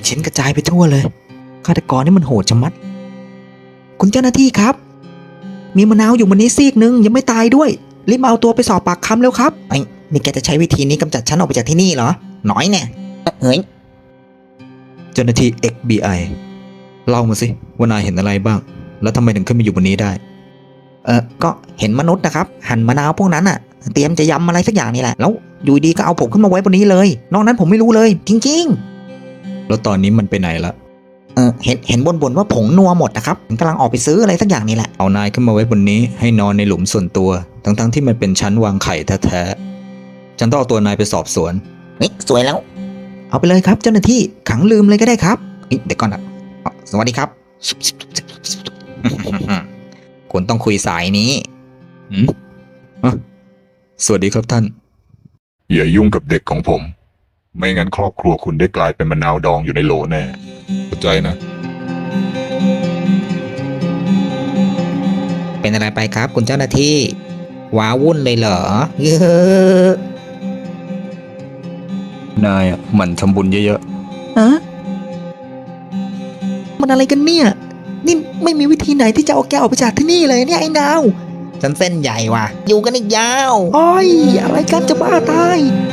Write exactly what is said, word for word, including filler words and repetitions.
ชิ้นกระจายไปทั่วเลยฆาตกรนี่มันโหดชะมัดคุณเจ้าหน้าที่ครับมีมะนาวอยู่บนนี้ซีกนึงยังไม่ตายด้วยรีบเอาตัวไปสอบปากคำแล้วครับไอ้นี่แกจะใช้วิธีนี้กำจัดฉันออกไปจากที่นี่เหรอหน่อยแน่เฮ้ยเจ้าหน้าที่ เอ็กซ์ บี ไอ เล่ามาสิว่านายเห็นอะไรบ้างแล้วทำไมถึงขึ้นมาอยู่บนนี้ได้เออก็เห็นมนุษย์นะครับหั่นมะนาวพวกนั้นอ่ะเตรียมจะยำอะไรสักอย่างนี่แหละแล้วอยู่ดีก็เอาผมขึ้นมาไว้บนนี้เลยนอกนั้นผมไม่รู้เลยจริงๆแล้วตอนนี้มันไปไหนละเออเห็นเห็นบ่นๆว่าผงนัวหมดนะครับกำลังออกไปซื้ออะไรสักอย่างนี่แหละเอานายขึ้นมาไว้บนนี้ให้นอนในหลุมส่วนตัวทั้งๆที่มันเป็นชั้นวางไข่แท้ๆฉันต้องเอาตัวนายไปสอบสวนเฮ้ยสวยแล้วเอาไปเลยครับเจ้าหน้าที่ขังลืมเลยก็ได้ครับเดี๋ยวก่อนนะสวัสดีครับ คุณต้องคุยสายนี้อืมสวัสดีครับท่านอย่ายุ่งกับเด็กของผม ไม่งั้นครอบครัวคุณได้กลายเป็นมะนาวดองอยู่ในโหลแน่เข้าใจนะเป็นอะไรไปครับคุณเจ้าหน้าที่ว้าวุ่นเลยเหรอเยอะนายอ่ะหมั่นทำบุญเยอะอะมันอะไรกันเนี่ยนี่ไม่มีวิธีไหนที่จะเอาแกออกไปจากที่นี่เลยเนี่ยไอ้นาวฉันเส้นใหญ่ว่ะอยู่กันอีกยาวโอ้ยอะไรกันจะบ้าตาย